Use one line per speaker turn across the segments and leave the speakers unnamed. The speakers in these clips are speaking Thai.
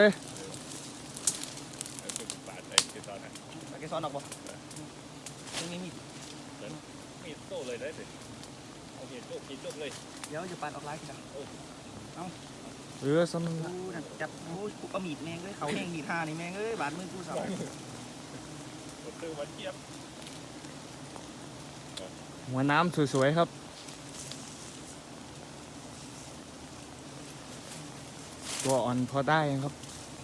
ปาดไอ้เกสรนะ
เกสรออกบ่ยังมี
มีดโต้เลยได้สิเอามีดโต้กินโต้เลย
เดี๋ยวจะปาดออกไลน์กัน
ซ้ำนึง
กูนั่นจับกูเอามีดแมงเลยเขาแห้งมีดท่านี่แมงเอ้ยบาดมือกูสาว
ตื้อวันเทียบ
หัวน้ำสวยๆครับตัวอ่อนพอได้ครับ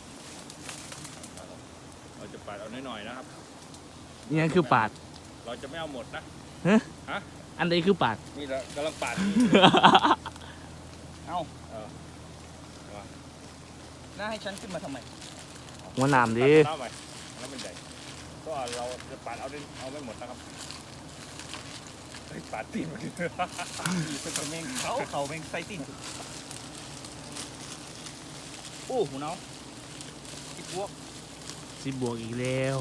เราจะปาดเอาหน่อยๆนะครับ
นี่คือปาด
เราจะไม่เอาหมดนะ
อันนี้คือปาด
นี่เรากำลังปาด
เอ้าน่าให้ฉันขึ้นมาทำไม
หัวน้ำดิ
เล่าใหม่แล้วมันใหญ่ก็เราจะปาดเอาไม่หมดนะครับปาดตีนมัน
มีเป็นแมงเขาแมงไซตินโอ้หูน้องอีกพวก
10 บวกอีกแล้ว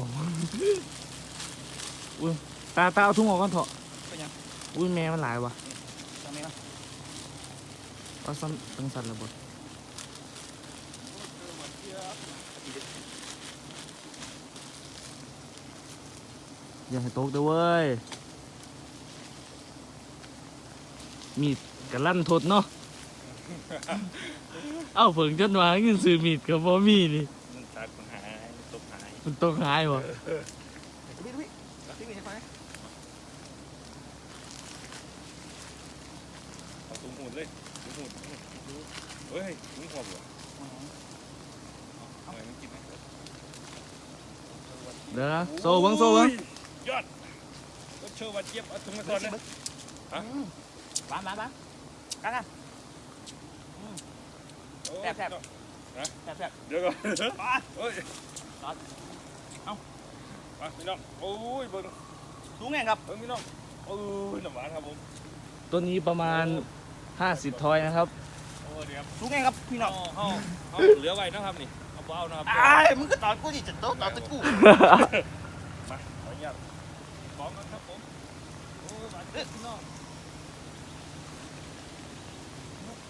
อุ้ยตาเอาทุ่งออกก่อนเถอะ
เป็นยัง
อุ้ยแม่มันหลายวะ
ทำไมล่ะ
เอาซ้ำตั้งสันระเบิดอย่าให้ตกเด้อเว้ยมีดกระลั่นทดเนาะ เอ้าเพิ่งจนว่าเงินซื้อมีดกับบ่มีนี่
มันตัดมันหายมันตกหาย
มันต้องหายวะ
พี่มีให้ไฟ
เอาตุ้มหูดเลยตุ้มหูดเฮ้ยตุ้มหัวเหรอเอาอะไรมันกินไหม
เดี๋ยวนะโซ่เบิ้ง
ยอดก็เชื่อว่าเจี๊ยบเอาตุ้มมาก่อนนะ
บ้านกันนะแซ่บ
เดี๋ยวก่อนเฮ้ยมาพี่น้องโอ้ยเบิ้ง
สูงไงครับ
เบิ้งพี่น้องโอ้ยน้ำหวานครับผม
ตัวนี้ประมาณ50 ทอยนะครับ
โอ้เดี๋ยว
สูงไงครับพี่น้อง
เอาเหลือไว้นะครับนี่เอาเบานะครับ
มึงก็ตอนกูดิจะโต๊ะตอนตะกู
มาขออนุญาตพร้อมกันครับผมโอ้ยหวานเด็ดพี่น้อง